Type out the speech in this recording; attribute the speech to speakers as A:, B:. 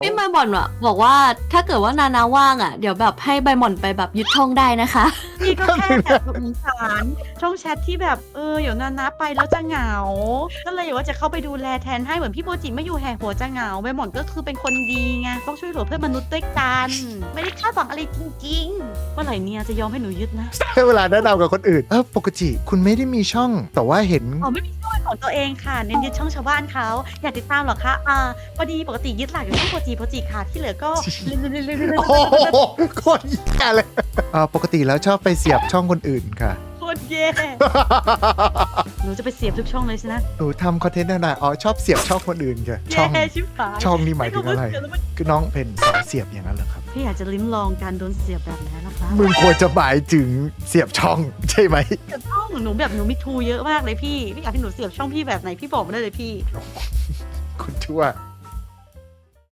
A: พี่ใบหม่อนอะบอกว่าถ้าเกิดว่านานาว่างอะเดี๋ยวแบบให้ใบหม่อนไปแบบยึดช่องได้นะคะ
B: พี่ก็แค่แบบสงสารช่องแชทที่แบบเดี๋ยวนาไปแล้วจะเหงา ก็เลยอยากว่าจะเข้าไปดูแลแทนให้เหมือนพี่โมจิไม่อยู่แห่หัวจะเหงาใบหม่อนก็คือเป็นคนดีไงต้องช่วยเหลือเพื่อนมนุษย์ด้วยกัน ไม่ได้คาดหวังอะไรจริงๆเมื่อไหร่เนี่ยจะยอมให้หนูยึดนะ
C: เวลาแนะนำกับคนอื่นปกติคุณไม่ได้มีช่อง แต่ว่าเห็น
B: อ๋อไม่มีช่องของตัวเองค่ะเน้นยึดช่องชาวบ้านเขาอยากติดตามเหรอคะพอดีปกติยึดหลักอยู่ที่โปรจีค่ะที่เหลือก็
C: โอ้โหโคตรแย่เลยปกติแล้วชอบไปเสียบช่องคนอื่นค่ะ
B: โคตรแย่หนูจะไปเสียบทุกช่องเลยใช่ไหม
C: หนูทำคอนเทนต์อะไรชอบเสียบช่องคนอื่นค่ะช่
B: แย่
C: อง
B: ชิบหาย
C: ช่องนี่หมายถึงอะไร
B: ม่รู้ว่าเสียบแล้วมัน
C: คือน้องเป็นสายเสียบอย่างนั้นเหรอครับ
B: พี่อยากจะลิ้มลองการโดนเสียบแบบไหนล่ะคะ
C: มึงควรจะหมายถึงเสียบช่องใช่ไหม
B: เสียบช่องหนูแบบหนูมีทูเยอะมากเลยพี่อยากให้หนูเสียบช่องพี่แบบไหนพี่บอกมาได้เลยพี่
C: คุณชั่ว